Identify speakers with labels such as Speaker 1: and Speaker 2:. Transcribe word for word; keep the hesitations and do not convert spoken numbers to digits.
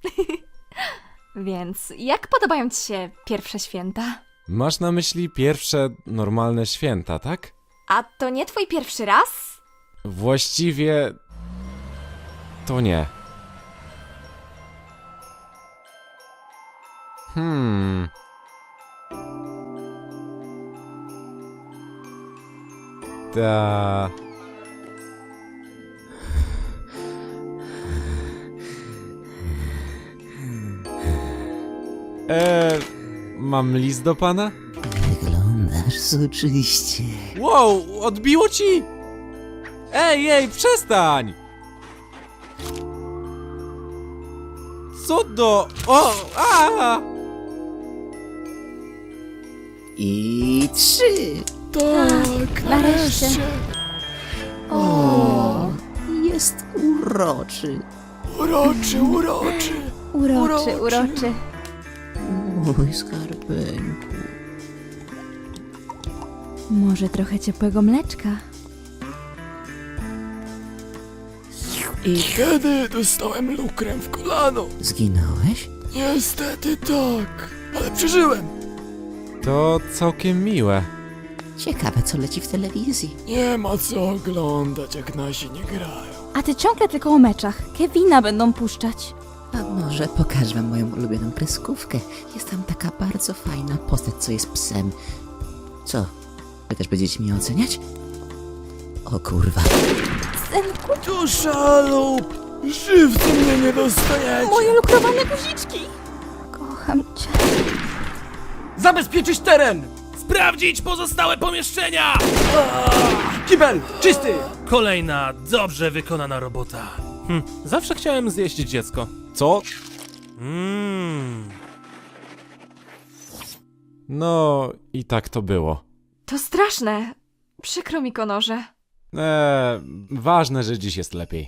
Speaker 1: Więc jak podobają ci się pierwsze święta?
Speaker 2: Masz na myśli pierwsze normalne święta, tak?
Speaker 1: A to nie twój pierwszy raz?
Speaker 2: Właściwie... to nie. Hmm... Ta... Eee, mam list do pana?
Speaker 3: Wyglądasz soczyście.
Speaker 2: Wow, odbiło ci? Ej, ej, przestań! Co do... O! A!
Speaker 3: I trzy.
Speaker 4: Tak,
Speaker 1: nareszcie.
Speaker 3: O, jest uroczy.
Speaker 4: Uroczy, uroczy.
Speaker 1: Uroczy,
Speaker 4: Uroczy.
Speaker 1: uroczy.
Speaker 3: Mój skarbeńku.
Speaker 1: Może trochę ciepłego mleczka?
Speaker 4: I kiedy dostałem lukrem w kolano?
Speaker 3: Zginąłeś?
Speaker 4: Niestety tak, ale przeżyłem.
Speaker 2: To całkiem miłe.
Speaker 3: Ciekawe, co leci w telewizji.
Speaker 4: Nie ma co oglądać, jak nasi nie grają.
Speaker 1: A ty ciągle tylko o meczach. Kevina będą puszczać.
Speaker 3: A może pokażę wam moją ulubioną kreskówkę. Jest tam taka bardzo fajna postać, co jest psem. Co? Wy też będziecie mnie oceniać? O kurwa.
Speaker 1: Synku,
Speaker 4: Tu szalup! Żywcem mnie nie dostajecie!
Speaker 1: moje lukrowane guziczki! Kocham cię.
Speaker 5: Zabezpieczyć teren! Sprawdzić pozostałe pomieszczenia!
Speaker 4: Kibel, czysty!
Speaker 5: Kolejna dobrze wykonana robota. Hm, zawsze chciałem zjeść dziecko.
Speaker 2: Co?
Speaker 5: Mmm.
Speaker 2: No i tak to było.
Speaker 1: To straszne. Przykro mi, Konorze.
Speaker 2: Eee, ważne, że dziś jest lepiej.